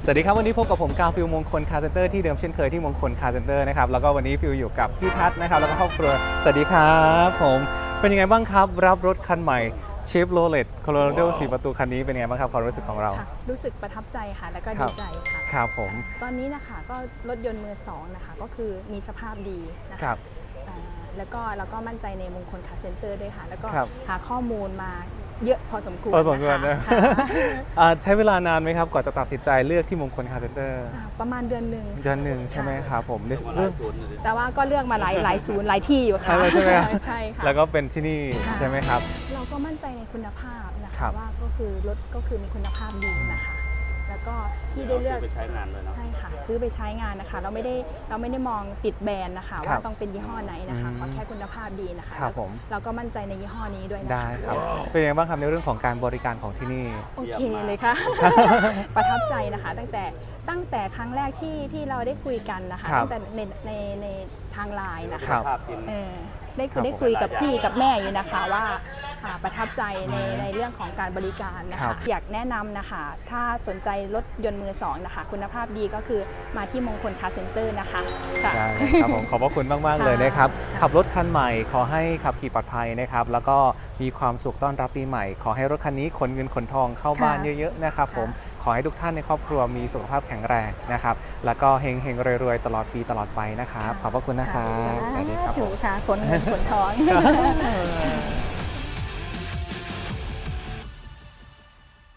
สวัสดีครับวันนี้พบกับผมกาวฟิลมงคลคาร์เซนเตอร์ที่เดิมเช่นเคยที่มงคลคาร์เซนเตอร์นะครับแล้วก็วันนี้ฟิลอยู่กับพี่ทัศน์นะครับแล้วก็ครอบครัวสวัสดีครับผมเป็นยังไงบ้างครับรับรถคันใหม่เชฟโรเลตโคโลราโด4 ประตูคันนี้เป็นยังไงบ้างครับความรู้สึกของเราค่ะรู้สึกประทับใจค่ะแล้วก็ครัดีบใจค่ะครับผมตอนนี้นะคะก็รถยนต์มือสองนะคะก็คือมีสภาพดีนะครัคะบแล้วก็เราก็มั่นใจในมงคลคาร์เซ็นเตอร์ด้วยค่ะแล้วก็ครับหาข้อมูลมาเยอะพอสมควรพอสมควรนะนะคะ ใช้เวลานานไหมครับก่อนจะตัดสินใจเลือกที่มงคลคาร์เซนเตอร์ประมาณเดือนหนึ่งเดือนหนึ่งใช่ไหมครับผมเรื่องแต่ว่าก็เลือกมาหลายศูนย์หลายที่อยู่ค่ะใช่ไหมครับใช่ค่ะแล้วก็เป็นที่นี่ค่ะใช่ไหมครับเราก็มั่นใจในคุณภาพนะครัคะบว่าก็คือรถก็คือมีคุณภาพดีนะคะ แล้วก็ที่ได้เลือกไปใช้งานเลยเนาะใช่ค่ะซื้อไปใช้งานนะคะเราไม่ได้มองติดแบรนด์นะคะครัว่าบต้องเป็นยี่ห้อไหนนะคะอืมขอแค่คุณภาพดีนะคะครับผมเราก็มั่นใจในยี่ห้อนี้ด้วยนะคะได้ครับเป็นยังไงบ้างครับในเรื่องของการบริการของที่นี่โอเคเลยค่ะ ประทับใจนะคะ ตั้งแต่ครั้งแรกที่เราได้คุยกันนะคะครับตั้งแต่ในทางไลน์นะครัคะบภาพจริงเออได้ครับได้คุยกับพี่กับแม่อยู่นะคะว่าประทับใจในเรื่องของการบริการนะครัคะบอยากแนะนำนะคะ ถ้าสนใจรถยนต์มือสองนะคะ คุณภาพดีก็คือมาที่มงคลคาร์เซ็นเตอร์นะคะค่ะได้ครับผมขอบพระคุณมากๆเลยนะครับค่ะขับรถคันใหม่ขอให้ขับขี่ปลอดภัยนะครับแล้วก็มีความสุขต้อนรับปีใหม่ ขอให้รถคันนี้ขนเงินขนทองเข้าบ้านเยอะๆนะครับผมขอให้ทุกท่านในครอบครัวมีสุขภาพแข็งแรงนะครับแล้วก็เฮงๆรวยๆตลอดปีตลอดไปนะครับขอบพระคุณนะครับสวัสดีครับผถูมกค่ะขนเงินขนทอง